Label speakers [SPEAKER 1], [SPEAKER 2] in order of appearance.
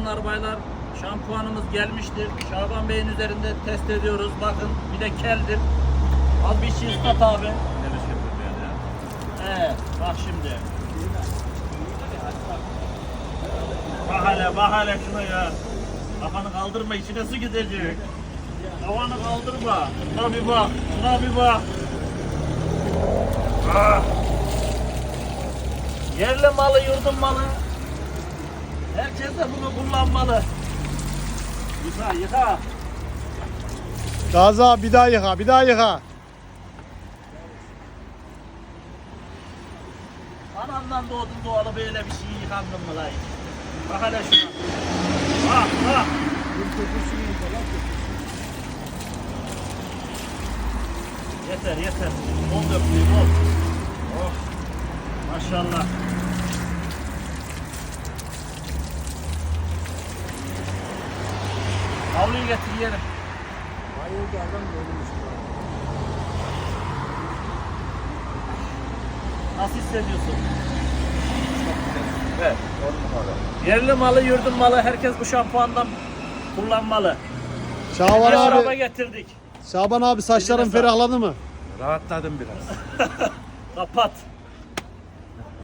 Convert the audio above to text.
[SPEAKER 1] Hanımlar baylar, şampuanımız gelmiştir. Şaban Bey'in üzerinde test ediyoruz. Bakın bir de keldir. Al bir şey ıslat abi. Bak şimdi. Bak hele şuna ya. Kafanı kaldırma, içine su gidecek. Kafanı kaldırma. Şuna bir bak. Şuna bir bak. Ah. Yerli malı, yurdun malı. Herkes de bunu kullanmalı. Yıka.
[SPEAKER 2] Gazi abi bir daha yıka.
[SPEAKER 1] Anamdan doğdum doğalı böyle bir şey yıkandın mı lan? Bak hele şuna. Bak. Yeter. Bol döktüğü bol. Oh. Maşallah. Havluyu getir yiyelim. Nasıl hissediyorsun?
[SPEAKER 3] Evet.
[SPEAKER 1] Yerli malı, yurdun malı. Herkes bu şampuandan kullanmalı.
[SPEAKER 2] Şaban
[SPEAKER 1] Bir araba
[SPEAKER 2] abi,
[SPEAKER 1] getirdik.
[SPEAKER 2] Şaban abi saçların
[SPEAKER 1] Eline sağlık.
[SPEAKER 2] ferahladı mı?
[SPEAKER 3] Rahatladım biraz.
[SPEAKER 1] Kapat.